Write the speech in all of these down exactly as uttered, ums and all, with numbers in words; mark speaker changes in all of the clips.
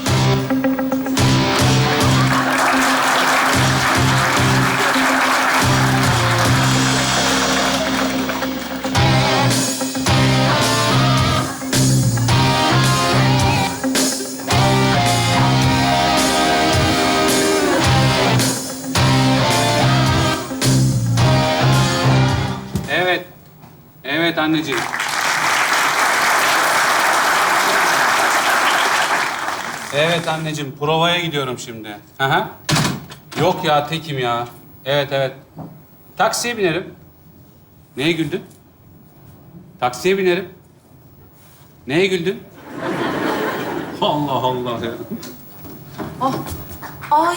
Speaker 1: Evet. Evet anneciğim. Evet anneciğim, provaya gidiyorum şimdi. Hı hı. Yok ya, tekim ya. Evet, evet. Taksiye binerim. Neye güldün? Taksiye binerim. Neye güldün? Allah Allah ya.
Speaker 2: Ah, ay.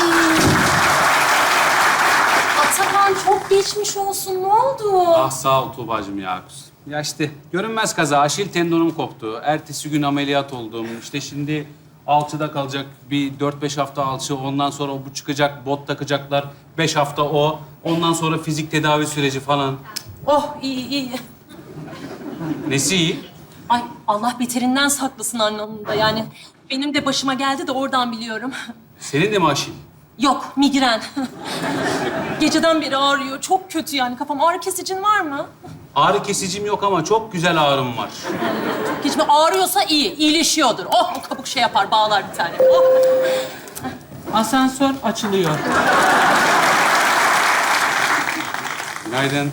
Speaker 2: Atakan çok geçmiş olsun. Ne oldu?
Speaker 1: Ah sağ ol Tuğba'cığım ya. Ya işte görünmez kaza, aşil tendonum koptu. Ertesi gün ameliyat oldum. İşte şimdi alçıda kalacak bir dört beş hafta alçı. Ondan sonra bu çıkacak, bot takacaklar. Beş hafta o. Ondan sonra fizik tedavi süreci falan.
Speaker 2: Oh, iyi iyi.
Speaker 1: Nesi iyi?
Speaker 2: Ay Allah beterinden saklasın anlamında. Yani benim de başıma geldi de oradan biliyorum.
Speaker 1: Senin de mi aşil?
Speaker 2: Yok, migren. Geceden beri ağrıyor. Çok kötü yani kafam. Ağrı kesicin var mı?
Speaker 1: Ağrı kesicim yok ama çok güzel ağrım var.
Speaker 2: Hiç mi ağrıyorsa iyi, iyileşiyordur. Oh, o kabuk şey yapar, bağlar bir tane. Oh.
Speaker 3: Asansör açılıyor.
Speaker 1: Günaydın.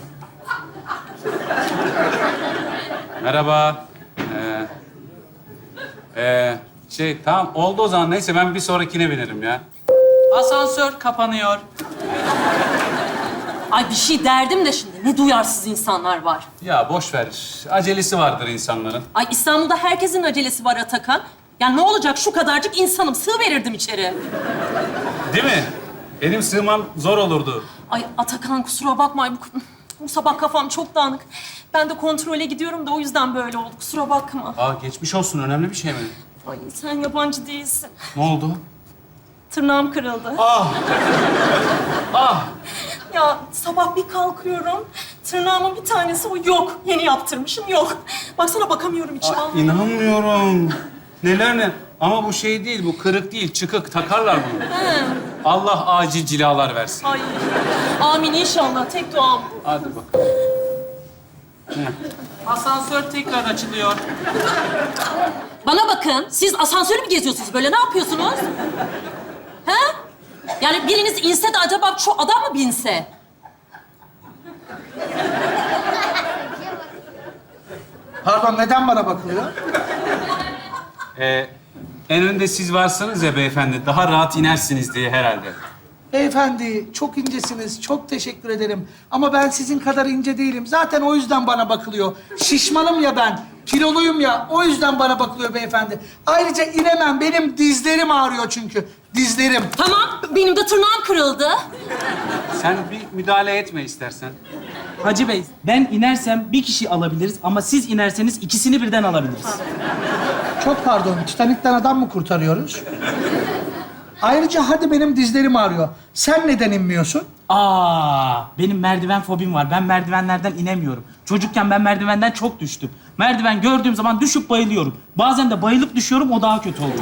Speaker 1: Merhaba. Ee, ee, şey tamam oldu o zaman. Neyse ben bir sonrakine binerim ya.
Speaker 3: Asansör kapanıyor.
Speaker 2: Ay bir şey derdim de şimdi. Ne duyarsız insanlar var.
Speaker 1: Ya boş ver. Acelesi vardır insanların.
Speaker 2: Ay İstanbul'da herkesin acelesi var Atakan. Ya ne olacak şu kadarcık insanım. Sığ verirdim içeri.
Speaker 1: Değil mi? Benim sığmam zor olurdu.
Speaker 2: Ay Atakan kusura bakma. Bu, bu sabah kafam çok dağınık. Ben de kontrole gidiyorum da o yüzden böyle oldu. Kusura bakma.
Speaker 1: Aa geçmiş olsun. Önemli bir şey mi?
Speaker 2: Ay sen yabancı değilsin.
Speaker 1: Ne oldu?
Speaker 2: Tırnağım kırıldı.
Speaker 1: Ah! Ah!
Speaker 2: Ya sabah bir kalkıyorum. Tırnağımın bir tanesi o yok. Yeni yaptırmışım yok. Baksana bakamıyorum içine.
Speaker 1: Aa, inanmıyorum. Neler ne? Ama bu şey değil, bu kırık değil, çıkık. Takarlar bunu.
Speaker 2: He.
Speaker 1: Allah acil cilalar versin.
Speaker 2: Ay. Amin inşallah. Tek duam bu.
Speaker 1: Hadi bakalım.
Speaker 3: Asansör tekrar açılıyor.
Speaker 2: Bana bakın. Siz asansörü mü geziyorsunuz böyle? Ne yapıyorsunuz? He? Yani biriniz inse de acaba şu adam mı binse?
Speaker 4: Pardon, neden bana bakılıyor?
Speaker 1: Ee, en önde siz varsınız ya beyefendi, daha rahat inersiniz diye herhalde.
Speaker 4: Beyefendi, çok incesiniz. Çok teşekkür ederim. Ama ben sizin kadar ince değilim. Zaten o yüzden bana bakılıyor. Şişmanım ya ben. Kiloluyum ya. O yüzden bana bakılıyor beyefendi. Ayrıca inemem. Benim dizlerim ağrıyor çünkü. Dizlerim.
Speaker 2: Tamam. Benim de tırnağım kırıldı.
Speaker 1: Sen bir müdahale etme istersen.
Speaker 3: Hacı Bey, ben inersem bir kişi alabiliriz ama siz inerseniz ikisini birden alabiliriz.
Speaker 4: Çok pardon. Titanik'ten adam mı kurtarıyoruz? Ayrıca hadi benim dizlerim ağrıyor. Sen neden inmiyorsun?
Speaker 3: Aa, benim merdiven fobim var. Ben merdivenlerden inemiyorum. Çocukken ben merdivenden çok düştüm. Merdiven gördüğüm zaman düşüp bayılıyorum. Bazen de bayılıp düşüyorum, o daha kötü oluyor.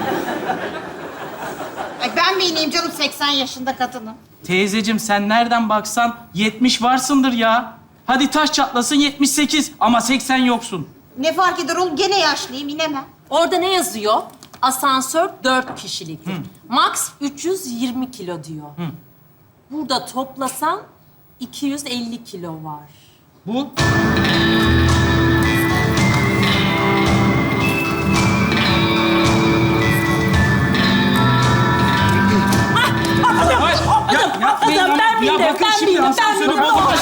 Speaker 5: Ay ben mi ineyim canım seksen yaşında kadının?
Speaker 3: Teyzeciğim sen nereden baksan yetmiş varsındır ya. Hadi taş çatlasın yetmiş sekiz ama seksen yoksun.
Speaker 5: Ne fark eder oğlum? Gene yaşlıyım, inemem.
Speaker 2: Orada ne yazıyor? Asansör dört kişiliktir. Max üç yüz yirmi kilo diyor. Burada toplasan iki yüz elli kilo var.
Speaker 3: Bu
Speaker 2: Adam,
Speaker 3: yapmayın
Speaker 2: adam
Speaker 3: ama-
Speaker 2: ben
Speaker 3: ya
Speaker 2: bildim,
Speaker 3: bakın
Speaker 2: ben
Speaker 3: şimdi
Speaker 2: bildim, ben
Speaker 3: asansörü
Speaker 2: bildim.
Speaker 3: bozulmuş.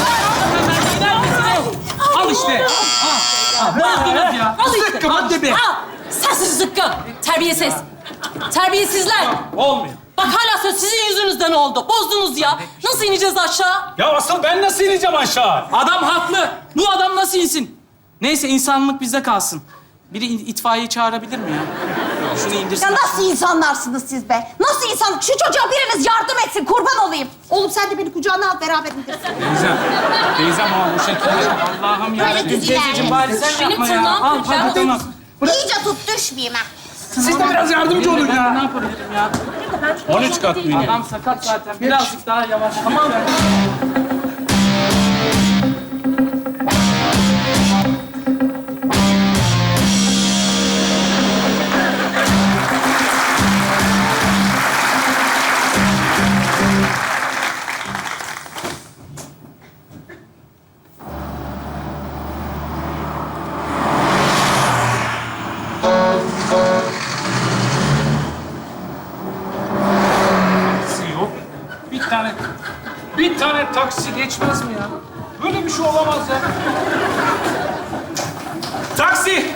Speaker 3: Al işte. Al. Al. Bozdunuz ya.
Speaker 2: Al işte.
Speaker 3: Zıkkım hadi be.
Speaker 2: Al. Sensiz zıkkım. Terbiyesiz. Terbiyesizler.
Speaker 1: Olmuyor.
Speaker 2: Bak hala söz sizin yüzünüzden oldu. Bozdunuz ya. Nasıl ineceğiz aşağı?
Speaker 1: Ya asıl ben nasıl ineceğim aşağı?
Speaker 3: Adam haklı. Bu adam nasıl insin? Neyse insanlık bizde kalsın. Biri in- itfaiye çağırabilir mi ya? Şunu indirsin.
Speaker 5: Ya nasıl insanlarsınız siz be? Nasıl insan? Şu çocuğa biriniz yardım etsin, kurban olayım. Oğlum sen de beni kucağına al, beraber indirsin.
Speaker 1: Teyzem, teyzem ama bu şekilde.
Speaker 3: Allah'ım ya.
Speaker 5: Böyle düz
Speaker 3: Teyzeciğim
Speaker 5: ilerleyin.
Speaker 3: bari sen
Speaker 2: Benim
Speaker 3: yapma ya.
Speaker 2: tırnağım
Speaker 3: Al
Speaker 2: kırık.
Speaker 3: hadi tamam.
Speaker 5: İyice tut, düşmeyeyim ha.
Speaker 4: Siz de biraz yardımcı olun
Speaker 3: Ben ne
Speaker 4: ya.
Speaker 3: yapabilirim ya?
Speaker 1: on üç kat mı yine?
Speaker 3: Adam sakat zaten. Birazcık daha yavaş. Tamam.
Speaker 1: Taksi yok. Bir tane, bir tane taksi geçmez mi ya? Böyle bir şey olamaz ya. Taksi!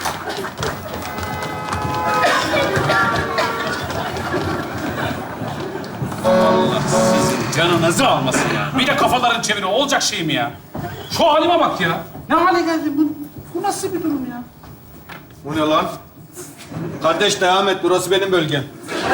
Speaker 1: Allah sizin canınızı almasın ya. Bir de kafaların çeviriyor. Olacak şey mi ya? Şu halime bak ya. Ne hale geldi bu? Bu nasıl bir durum ya?
Speaker 6: Bu ne lan? Kardeş devam et, burası benim bölgem.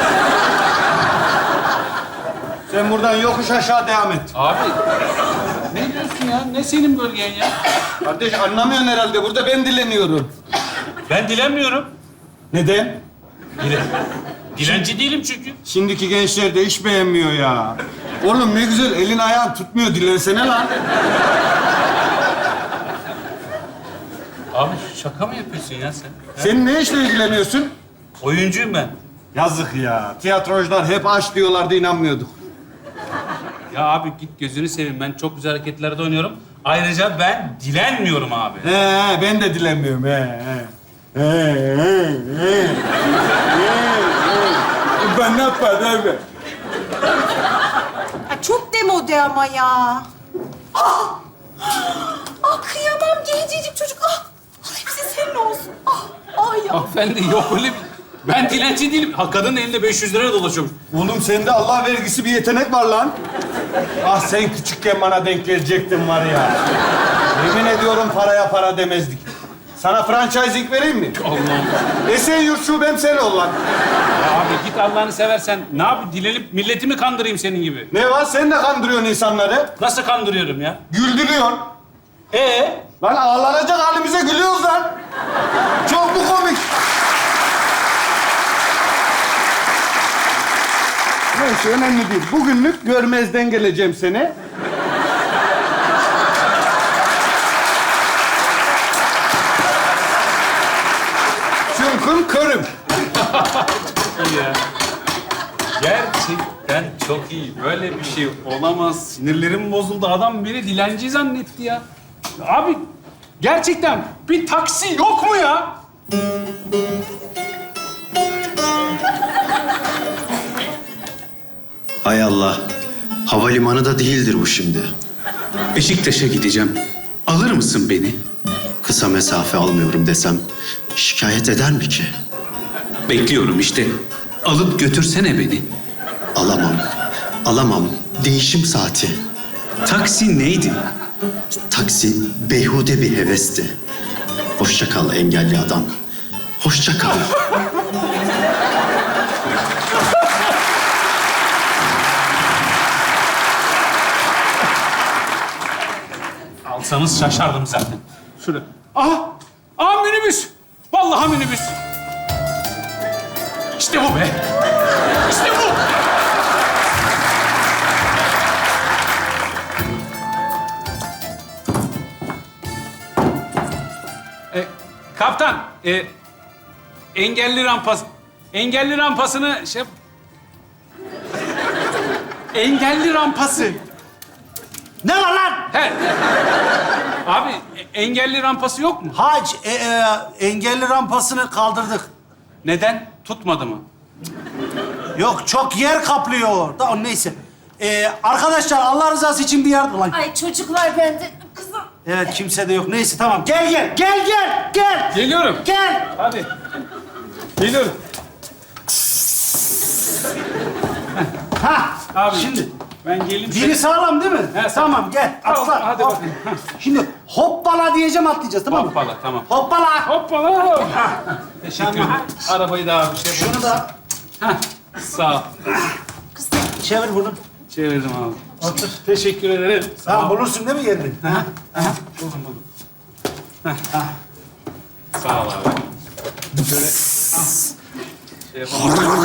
Speaker 6: Sen buradan yokuş aşağı devam et.
Speaker 1: Abi ne diyorsun ya? Ne senin bölgen ya?
Speaker 6: Kardeş anlamıyorsun herhalde, burada ben dileniyorum.
Speaker 1: Ben dilenmiyorum.
Speaker 6: Neden?
Speaker 1: Dile. Dilenci değilim çünkü.
Speaker 6: Şimdiki gençler de hiç beğenmiyor ya. Oğlum ne güzel, elin ayağın tutmuyor, dilensene lan.
Speaker 1: Abi şaka mı yapıyorsun ya sen?
Speaker 6: Sen ne işle ilgileniyorsun?
Speaker 1: Oyuncuyum ben.
Speaker 6: Yazık ya, tiyatrocular hep aç diyorlardı, inanmıyorduk.
Speaker 1: Ya abi git gözünü seveyim. Ben çok güzel hareketlerde oynuyorum. Ayrıca ben dilenmiyorum abi.
Speaker 6: He, he, ben de dilenmiyorum, he, he. He, he, he. He, he. Ben ne yaparım abi?
Speaker 5: Ya çok demode ama ya. Ah! Ah kıyamam gencecik çocuk. Ah! Ah, hepsi senin olsun. Ah! Ay ya.
Speaker 1: Hanımefendi yok öyle bir... Ben dilenci değilim. Ha, kadının elinde beş yüz lira dolaşıyorum.
Speaker 6: Oğlum sende Allah vergisi bir yetenek var lan. Ah sen küçükken bana denk gelecektin var ya. Yemin ediyorum paraya para demezdik. Sana franchising vereyim mi?
Speaker 1: Allah'ım.
Speaker 6: Esenyurt şubem sen ol lan.
Speaker 1: Ya abi git Allah'ını seversen. Ne yapayım? Dilenip milletimi mi kandırayım senin gibi?
Speaker 6: Ne var? Sen de kandırıyorsun insanları.
Speaker 1: Nasıl kandırıyorum ya?
Speaker 6: Güldürüyorsun.
Speaker 1: Ee?
Speaker 6: Lan ağlanacak halimize gülüyoruz lan. Çok mu komik? Neyse önemli değil. Bugünlük görmezden geleceğim seni. Çünkü körüm.
Speaker 1: İyi ya. Gerçekten çok iyi. Böyle bir şey olamaz. Sinirlerim bozuldu. Adam beni dilenci zannetti ya. Abi gerçekten bir taksi yok mu ya?
Speaker 7: Hay Allah. Havalimanı da değildir bu şimdi.
Speaker 8: Beşiktaş'a gideceğim. Alır mısın beni?
Speaker 7: Kısa mesafe almıyorum desem şikayet eder mi ki?
Speaker 8: Bekliyorum işte. Alıp götürsene beni.
Speaker 7: Alamam. Alamam. Değişim saati.
Speaker 8: Taksi neydi?
Speaker 7: Taksi beyhude bir hevesti. Hoşça kal engelli adam. Hoşça kal.
Speaker 1: Alsanız şaşardım zaten. Şurada. Aha! Aha minibüs! Vallahi minibüs. İşte bu be. İşte bu. E, kaptan, e, engelli rampas, engelli rampasını şey... Engelli rampası.
Speaker 9: Ne var lan?
Speaker 1: He. Abi e, engelli rampası yok mu?
Speaker 9: Hac, e, e, engelli rampasını kaldırdık.
Speaker 1: Neden? Tutmadı mı?
Speaker 9: Yok, çok yer kaplıyor. Da, neyse. E, arkadaşlar, Allah rızası için bir yardım... Lan,
Speaker 2: Ay çocuklar ben de kızım.
Speaker 9: evet, kimse de yok. Neyse, tamam. Gel, gel, gel, gel, gel.
Speaker 1: Geliyorum.
Speaker 9: Gel.
Speaker 1: Hadi. Geliyorum.
Speaker 9: Ha,
Speaker 1: Abi
Speaker 9: şimdi.
Speaker 1: Ben geleyim.
Speaker 9: Biri sağlam değil mi?
Speaker 1: He, sağ-
Speaker 9: tamam, gel.
Speaker 1: Tamam,
Speaker 9: Atla.
Speaker 1: hadi
Speaker 9: Hop.
Speaker 1: bakayım. Ha.
Speaker 9: Şimdi hoppala diyeceğim, atlayacağız, tamam mı?
Speaker 1: Hoppala, tamam.
Speaker 9: Hoppala.
Speaker 1: Hoppala. Teşekkür ederim. Arabayı da abi şey
Speaker 9: Şunu da
Speaker 1: Heh, sağ ol.
Speaker 9: çevir bunu.
Speaker 1: Çevirdim abi. Otur. Teşekkür ederim. Sağ
Speaker 9: Tamam,
Speaker 1: ol.
Speaker 9: bulursun değil mi yerini?
Speaker 1: Buldum, buldum. Heh. Sağ ol abi. Şöyle. şey yapamam.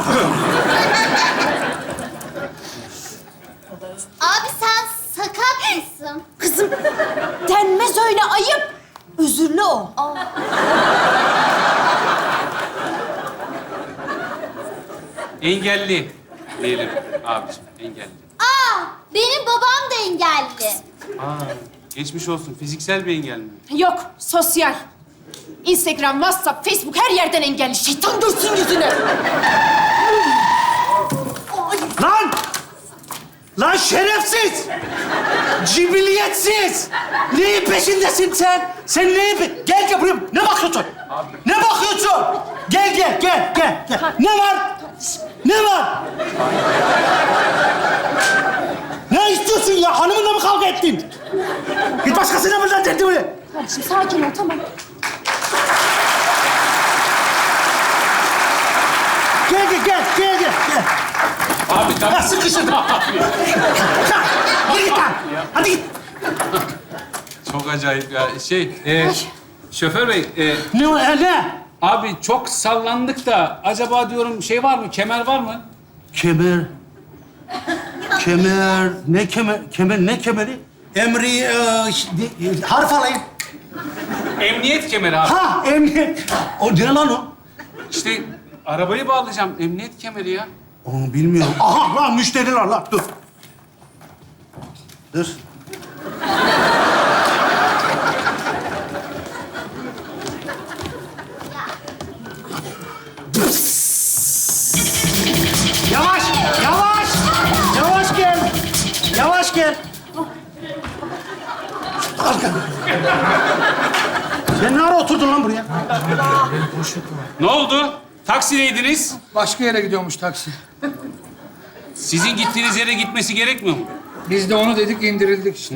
Speaker 10: Abi sen sakat mısın?
Speaker 2: Kızım denmez öyle ayıp. Özürlü o.
Speaker 1: Engelli diyelim abiciğim, engelli.
Speaker 10: Aa, benim babam da engelli.
Speaker 1: Aa, geçmiş olsun. Fiziksel bir engel mi?
Speaker 2: Yok, sosyal. Instagram, WhatsApp, Facebook her yerden engelli. Şeytan görsün yüzünü.
Speaker 9: Lan! Lan şerefsiz! Cibiliyetsiz! Neyin peşindesin sen? Sen neyin pe... Gel gel buraya. Ne bakıyorsun? Ne bakıyorsun? Gel gel gel gel. gel. Ne var? Ne var? Ne istiyorsun ya? Hanımınla mı kavga ettin? Git başkasına buradan derdimi.
Speaker 2: Kardeşim sakin ol, tamam.
Speaker 9: Gel gel gel gel gel. gel.
Speaker 1: Abi
Speaker 9: Ha,
Speaker 1: tamam.
Speaker 9: sıkıştırdım. Hadi git lan. Hadi git.
Speaker 1: Çok acayip ya. Şey, e, şoför bey, e,
Speaker 9: Ne o? e, Ne?
Speaker 1: abi çok sallandık da acaba diyorum şey var mı, kemer var mı?
Speaker 9: Kemer. Kemer. Ne kemer? Kemer ne kemeri? Emri, e, ş- de- e, harf alayım.
Speaker 1: Emniyet kemeri abi.
Speaker 9: Ha, emniyet. O ne lan o?
Speaker 1: İşte arabayı bağlayacağım. Emniyet kemeri ya.
Speaker 9: Onu bilmiyorum. Aha lan müşteriler lan. Dur. Dur. Yavaş, yavaş. Yavaş gel. Yavaş gel. Arka. Sen ne ara oturdun lan buraya?
Speaker 1: Ne oldu? Taksideydiniz.
Speaker 4: Başka yere gidiyormuş taksi.
Speaker 1: Sizin gittiğiniz yere gitmesi gerekmiyor mu?
Speaker 4: Biz de onu dedik, indirildik işte.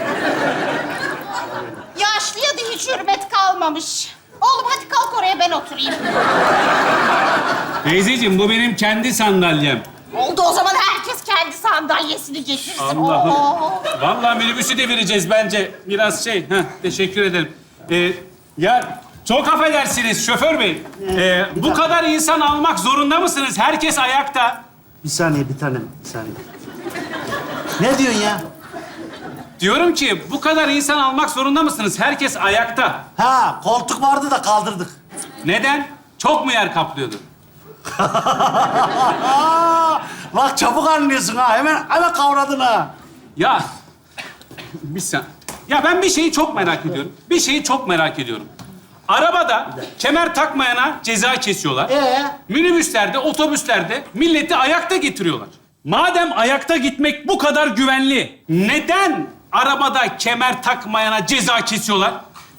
Speaker 5: Yaşlıya da hiç hürmet kalmamış. Oğlum hadi kalk oraya ben oturayım.
Speaker 1: Teyzeciğim bu benim kendi sandalyem.
Speaker 5: Oldu o zaman herkes kendi sandalyesini getirsin.
Speaker 1: Allah'ım.
Speaker 5: Oo.
Speaker 1: Vallahi minibüsü devireceğiz bence. Biraz şey, heh, teşekkür ederim. Ee, ya çok affedersiniz şoför bey. Ee, bu kadar insan almak zorunda mısınız? Herkes ayakta.
Speaker 9: Bir saniye bir tanem, bir saniye. Ne diyorsun ya?
Speaker 1: Diyorum ki bu kadar insan almak zorunda mısınız? Herkes ayakta.
Speaker 9: Ha, koltuk vardı da kaldırdık.
Speaker 1: Neden? Çok mu yer kaplıyordu?
Speaker 9: Bak çabuk anlıyorsun ha. Hemen hemen kavradın ha.
Speaker 1: Ya bir sen. Ya ben bir şeyi çok merak ediyorum. Bir şeyi çok merak ediyorum. Arabada kemer takmayana ceza kesiyorlar.
Speaker 9: Ee?
Speaker 1: Minibüslerde, otobüslerde milleti ayakta getiriyorlar. Madem ayakta gitmek bu kadar güvenli, neden arabada kemer takmayana ceza kesiyorlar?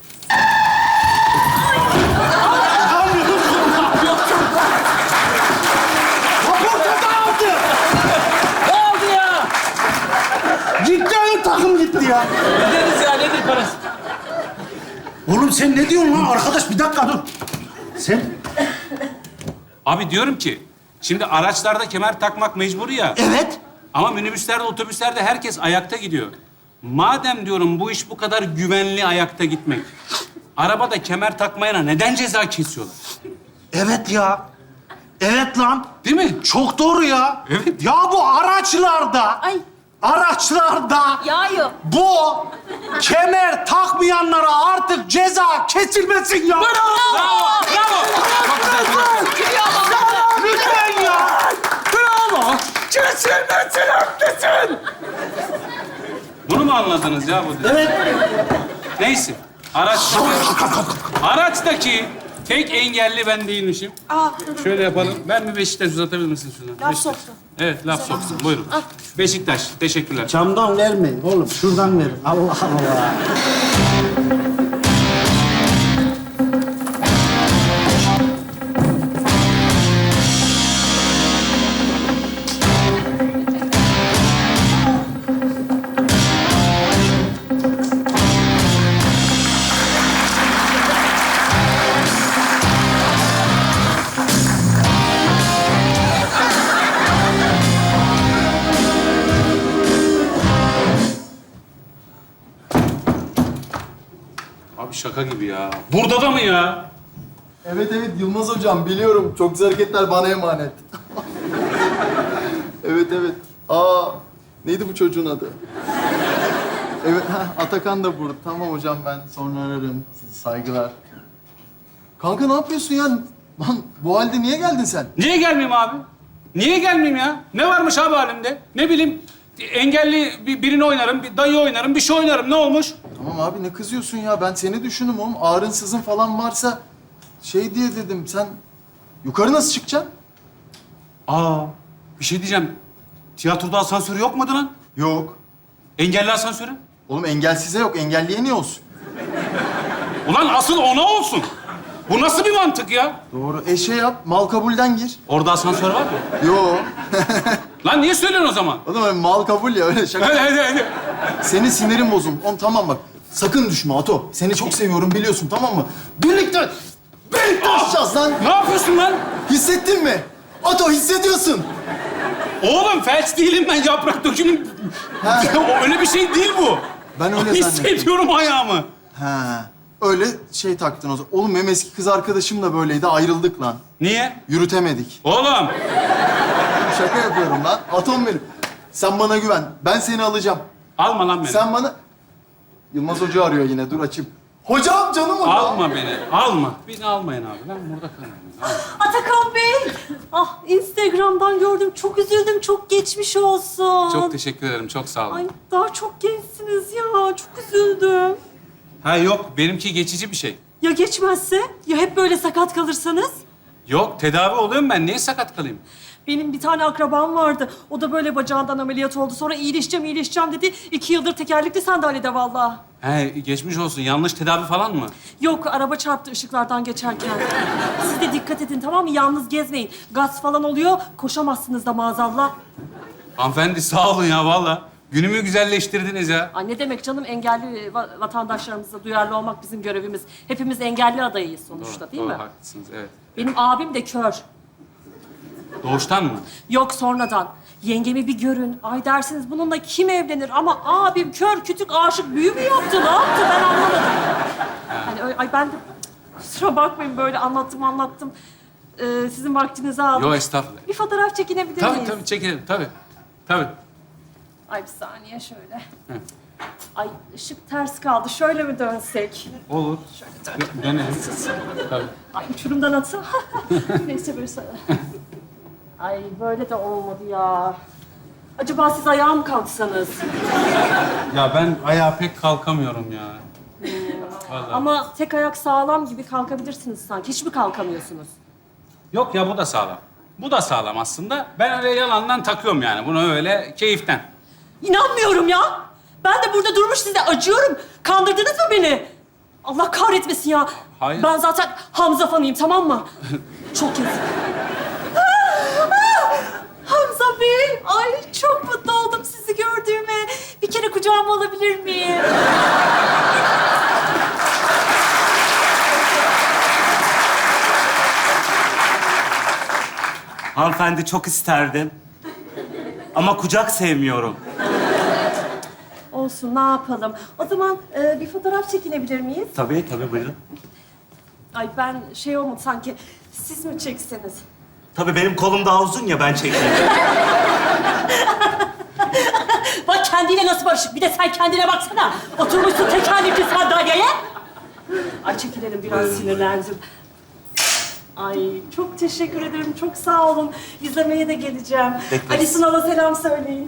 Speaker 9: Kaporta dağıldı. Ne oldu ya? Gitti ön takım gitti ya.
Speaker 3: Öderiz ya, nedir parası?
Speaker 9: Oğlum sen ne diyorsun lan? Arkadaş bir dakika dur. Sen...
Speaker 1: Abi diyorum ki, şimdi araçlarda kemer takmak mecburi ya.
Speaker 9: Evet.
Speaker 1: Ama minibüslerde, otobüslerde herkes ayakta gidiyor. Madem diyorum bu iş bu kadar güvenli ayakta gitmek, arabada kemer takmayana neden ceza kesiyorlar?
Speaker 9: Evet ya. Evet lan.
Speaker 1: Değil mi?
Speaker 9: Çok doğru ya.
Speaker 1: Evet.
Speaker 9: Ya bu araçlarda...
Speaker 2: Ay.
Speaker 9: Araçlarda...
Speaker 2: Yağıyor.
Speaker 9: Bu kemer takmayanlara artık ceza kesilmesin ya.
Speaker 1: Bravo! Bravo!
Speaker 9: Lütfen ya.
Speaker 4: Bravo! Kesilmesin, haklısın!
Speaker 1: Bunu mu anladınız ya bu?
Speaker 9: Evet.
Speaker 1: Neyse. Araçtaki, araçtaki tek engelli ben değilmişim. Şöyle yapalım. Ben bir Beşiktaş uzatabilir misin şuradan?
Speaker 2: Laf
Speaker 1: Beşiktaş.
Speaker 2: soktu.
Speaker 1: Evet, laf soksun. Buyurun. Beşiktaş. Teşekkürler.
Speaker 9: Camdan vermeyin oğlum. Şuradan verin. Allah Allah.
Speaker 1: Abi şaka gibi ya. Burada da mı ya?
Speaker 11: Evet evet Yılmaz hocam biliyorum. Çok güzel hareketler bana emanet. Evet evet. Aa neydi bu çocuğun adı? Evet ha, Atakan da burada. Tamam hocam ben sonra ararım. Sizi saygılar. Kanka ne yapıyorsun ya? Lan bu halde niye geldin sen?
Speaker 1: Niye gelmeyeyim abi? Niye gelmeyeyim ya? Ne varmış abi halimde? Ne bileyim, engelli bir- birini oynarım, bir dayı oynarım, bir şey oynarım. Ne olmuş?
Speaker 11: Tamam abi ne kızıyorsun ya? Ben seni düşündüm oğlum. Ağrın sızın falan varsa şey diye dedim. Sen yukarı nasıl çıkacaksın?
Speaker 1: Aa, bir şey diyeceğim. Tiyatroda asansörü yok muydu lan?
Speaker 11: Yok.
Speaker 1: Engelli asansörü?
Speaker 11: Oğlum engelsize yok. Engelliye niye olsun?
Speaker 1: Ulan asıl ona olsun. Bu nasıl bir mantık ya?
Speaker 11: Doğru. E şey yap. Mal kabulden gir.
Speaker 1: Orada asansör var mı?
Speaker 11: Yo.
Speaker 1: Lan niye söylüyorsun o zaman?
Speaker 11: Oğlum öyle mal kabul ya öyle şaka.
Speaker 1: Hadi hadi hadi.
Speaker 11: Senin sinirin bozuldu. Oğlum tamam bak. Sakın düşme Ato. Seni çok seviyorum biliyorsun tamam mı? Birlikte, birlikte aşacağız lan.
Speaker 1: Ne yapıyorsun lan?
Speaker 11: Hissettin mi? Ato hissediyorsun.
Speaker 1: Oğlum felç değilim ben, yaprak dökümüm.
Speaker 11: Ha.
Speaker 1: O öyle bir şey değil bu.
Speaker 11: Ben öyle zannettim.
Speaker 1: Hissediyorum ayağımı.
Speaker 11: Ha. Öyle şey taktın o zaman. Oğlum benim eski kız arkadaşım da böyleydi. Ayrıldık lan.
Speaker 1: Niye?
Speaker 11: Yürütemedik.
Speaker 1: Oğlum.
Speaker 11: Şaka yapıyorum lan. Atom benim. Sen bana güven. Ben seni alacağım.
Speaker 1: Alma lan beni.
Speaker 11: Sen bana... Yılmaz Hoca arıyor yine. Dur açayım. Hocam canım hocam.
Speaker 1: Alma beni. Alma. Beni almayın abi. Ben burada kalayım. Alma.
Speaker 2: Atakan Bey! Ah, Instagram'dan gördüm. Çok üzüldüm. Çok geçmiş olsun.
Speaker 1: Çok teşekkür ederim. Çok sağ olun.
Speaker 2: Ay, daha çok gençsiniz ya. Çok üzüldüm.
Speaker 1: Ha yok. Benimki geçici bir şey.
Speaker 2: Ya geçmezse? Ya hep böyle sakat kalırsanız?
Speaker 1: Yok. Tedavi oluyorum ben. Niye sakat kalayım?
Speaker 2: Benim bir tane akrabam vardı. O da böyle bacağından ameliyat oldu. Sonra iyileşeceğim, iyileşeceğim dedi. İki yıldır tekerlekli sandalyede vallahi.
Speaker 1: He geçmiş olsun. Yanlış tedavi falan mı?
Speaker 2: Yok, araba çarptı ışıklardan geçerken. Siz de dikkat edin, tamam mı? Yalnız gezmeyin. Gaz falan oluyor, koşamazsınız da maazallah.
Speaker 1: Hanımefendi sağ olun ya vallahi. Günümü güzelleştirdiniz ya.
Speaker 2: Ay ne demek canım, engelli va- vatandaşlarımıza duyarlı olmak bizim görevimiz. Hepimiz engelli adayıyız sonuçta,
Speaker 1: Doğru,
Speaker 2: değil
Speaker 1: doğru,
Speaker 2: mi?
Speaker 1: haklısınız evet.
Speaker 2: Benim abim de kör.
Speaker 1: Doğuştan mı?
Speaker 2: Yok, sonradan. Yengemi bir görün. Ay dersiniz bununla kim evlenir? Ama abim kör, kütük, aşık, büyü mü yaptı? Ne yaptı? Ben anlamadım. Hani öyle, ay ben de kusura bakmayın böyle anlattım anlattım. Ee, sizin vaktinizi aldım.
Speaker 1: Yok estağfurullah.
Speaker 2: Bir fotoğraf çekinebilir
Speaker 1: Tabii
Speaker 2: miyiz?
Speaker 1: tabii çekelim tabii. Tabii.
Speaker 2: Ay bir saniye şöyle. Ay ışık ters kaldı. Şöyle mi dönsek?
Speaker 1: Olur. Dö- Dönelim. Tabii.
Speaker 2: Ay uçurumdan atsa. Neyse böyle sana. Ay böyle de olmadı ya. Acaba siz ayağa mı kalksanız?
Speaker 1: Ya ben ayağa pek kalkamıyorum ya. Vallahi.
Speaker 2: Ama tek ayak sağlam gibi kalkabilirsiniz sanki. Hiç mi kalkamıyorsunuz?
Speaker 1: Yok ya bu da sağlam. Bu da sağlam aslında. Ben öyle yalandan takıyorum yani. Bunu öyle keyiften.
Speaker 2: İnanmıyorum ya. Ben de burada durmuş size acıyorum. Kandırdınız mı beni? Allah kahretmesin ya.
Speaker 1: Hayır.
Speaker 2: Ben zaten Hamza fanıyım, tamam mı? Çok yazık. Hamza Bey, ay çok mutlu oldum sizi gördüğüme. Bir kere kucağıma alabilir miyim?
Speaker 9: Hanımefendi çok isterdim. Ama kucak sevmiyorum.
Speaker 2: Olsun, ne yapalım? O zaman e, bir fotoğraf çekinebilir miyiz?
Speaker 9: Tabii tabii buyurun.
Speaker 2: Ay ben şey olmadı sanki, siz mi çekseniz?
Speaker 9: Tabii benim kolum daha uzun ya ben çekeyim.
Speaker 2: Bak kendiyle nasıl barışık. Bir de sen kendine baksana. Oturmuşsun tekerlekli sandalyeye. Ay çekilelim, biraz sinirlendim. Ay çok teşekkür ederim. Çok sağ olun. İzlemeye de geleceğim.
Speaker 9: Bekleriz.
Speaker 2: Ali Sunal'a selam söyleyin.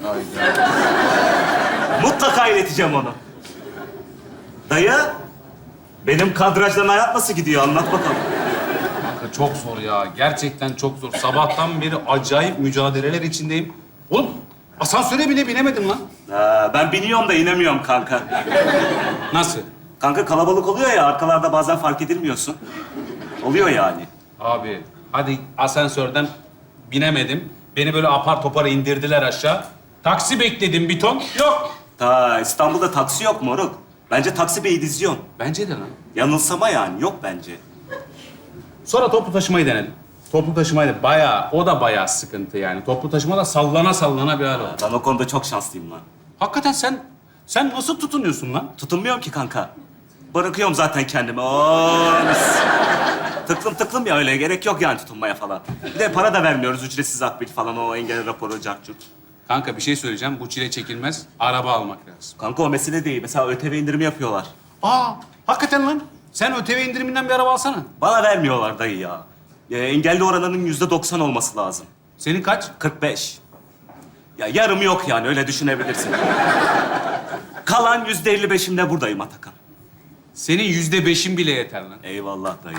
Speaker 9: Mutlaka ileteceğim onu. Dayı, benim kadrajdan hayat nasıl gidiyor? Anlat bakalım.
Speaker 1: Kanka çok zor ya. Gerçekten çok zor. Sabahtan beri acayip mücadeleler içindeyim. Oğlum asansöre bile binemedim lan.
Speaker 9: Ha, ben biniyorum da inemiyorum kanka.
Speaker 1: Nasıl?
Speaker 9: Kanka kalabalık oluyor ya, arkalarda bazen fark edilmiyorsun. Oluyor yani.
Speaker 1: Abi hadi asansörden binemedim. Beni böyle apar topar indirdiler aşağı. Taksi bekledim bir ton. Yok.
Speaker 9: Ta İstanbul'da taksi yok moruk. Bence Taksi Bey'i diziyorsun.
Speaker 1: Bence de lan.
Speaker 9: Yanılsama yani, yok bence.
Speaker 1: Sonra toplu taşımayı denedim. Toplu taşımayı da bayağı, o da bayağı sıkıntı yani. Toplu taşıma da sallana sallana bir hal oldu.
Speaker 9: Ben o konuda çok şanslıyım lan.
Speaker 1: Hakikaten sen, sen nasıl tutunuyorsun lan?
Speaker 9: Tutunmuyorum ki kanka. Bırakıyorum zaten kendimi. Oo, mis.
Speaker 12: tıklım tıklım ya öyle. Gerek yok yani tutunmaya falan. Bir de para da vermiyoruz. Ücretsiz akbil falan o engel raporu, cartçut.
Speaker 1: Kanka bir şey söyleyeceğim. Bu çile çekilmez. Araba almak lazım.
Speaker 12: Kanka o mesele değil. Mesela ÖTV indirimi yapıyorlar.
Speaker 1: Aa, hakikaten lan. Sen ÖTV indiriminden bir araba alsana.
Speaker 12: Bana vermiyorlar dayı ya. Ee, engelli oranının yüzde doksan olması lazım.
Speaker 1: Senin kaç?
Speaker 12: kırk beş. Ya yarım yok yani öyle düşünebilirsin. Kalan yüzde elli beşimde buradayım Atakan.
Speaker 1: Senin yüzde beşin bile yeter lan.
Speaker 12: Eyvallah dayı.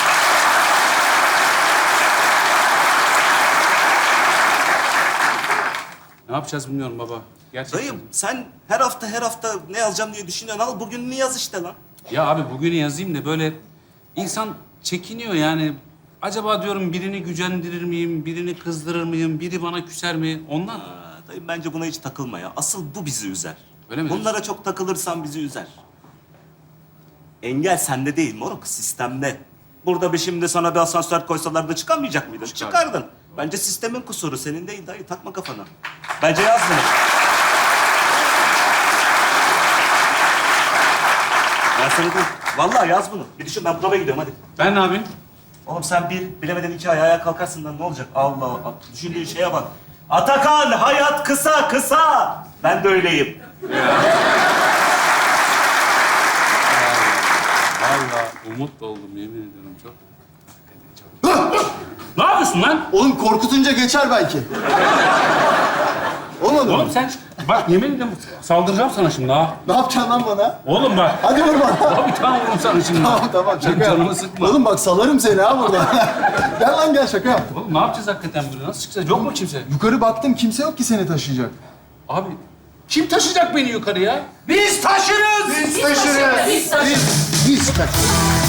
Speaker 1: Ne yapacağız bilmiyorum baba. Gerçekten.
Speaker 12: Dayım sen her hafta her hafta ne yazacağım diye düşünüyorsun. Al bugününü yaz işte lan.
Speaker 1: Ya abi bugünü yazayım da böyle insan çekiniyor yani. Acaba diyorum birini gücendirir miyim, birini kızdırır mıyım, biri bana küser mi? Ondan.
Speaker 12: Aa, dayım bence buna hiç takılma ya. Asıl bu bizi üzer.
Speaker 1: Öyle mi diyorsun?
Speaker 12: Bunlara çok takılırsan bizi üzer. Engel sende değil moruk, sistemde. Burada bir şimdi sana bir asansör koysalar da çıkamayacak mıydın?
Speaker 1: Çıkar.
Speaker 12: Çıkardın. Bence sistemin kusuru, senin değil dayı. Takma kafana. Bence yaz bunu. Ben sana diyeyim. Vallahi yaz bunu. Bir düşün, ben provaya gidiyorum hadi.
Speaker 1: Ben ne yapayım?
Speaker 12: Oğlum sen bir, bilemeden iki ay ayağa kalkarsın lan ne olacak? Allah Allah. Düşündüğün şeye bak. Atakan, hayat kısa kısa. Ben de öyleyim.
Speaker 1: Vallahi umut oldum yemin ediyorum çok. Ne yapıyorsun lan?
Speaker 11: Oğlum korkutunca geçer belki. Olmadı mı?
Speaker 1: Oğlum sen bak yemin ediyorum saldıracağım sana şimdi ha.
Speaker 11: Ne yapacaksın lan bana?
Speaker 1: Oğlum bak.
Speaker 11: Hadi vur bana.
Speaker 1: Abi tamam vururum sana şimdi.
Speaker 11: Tamam tamam
Speaker 1: Sen
Speaker 11: şaka
Speaker 1: canımı
Speaker 11: yap.
Speaker 1: sıkma.
Speaker 11: Oğlum bak salarım seni ha burada. Gel lan gel şaka yap.
Speaker 1: Oğlum ne yapacağız hakikaten burada? Nasıl çıkacağız? Yok mu kimse?
Speaker 11: Yukarı baktım kimse yok ki seni taşıyacak.
Speaker 1: Abi kim taşıyacak beni yukarıya?
Speaker 9: Biz taşırız.
Speaker 11: Biz taşırız. Biz, biz taşırız.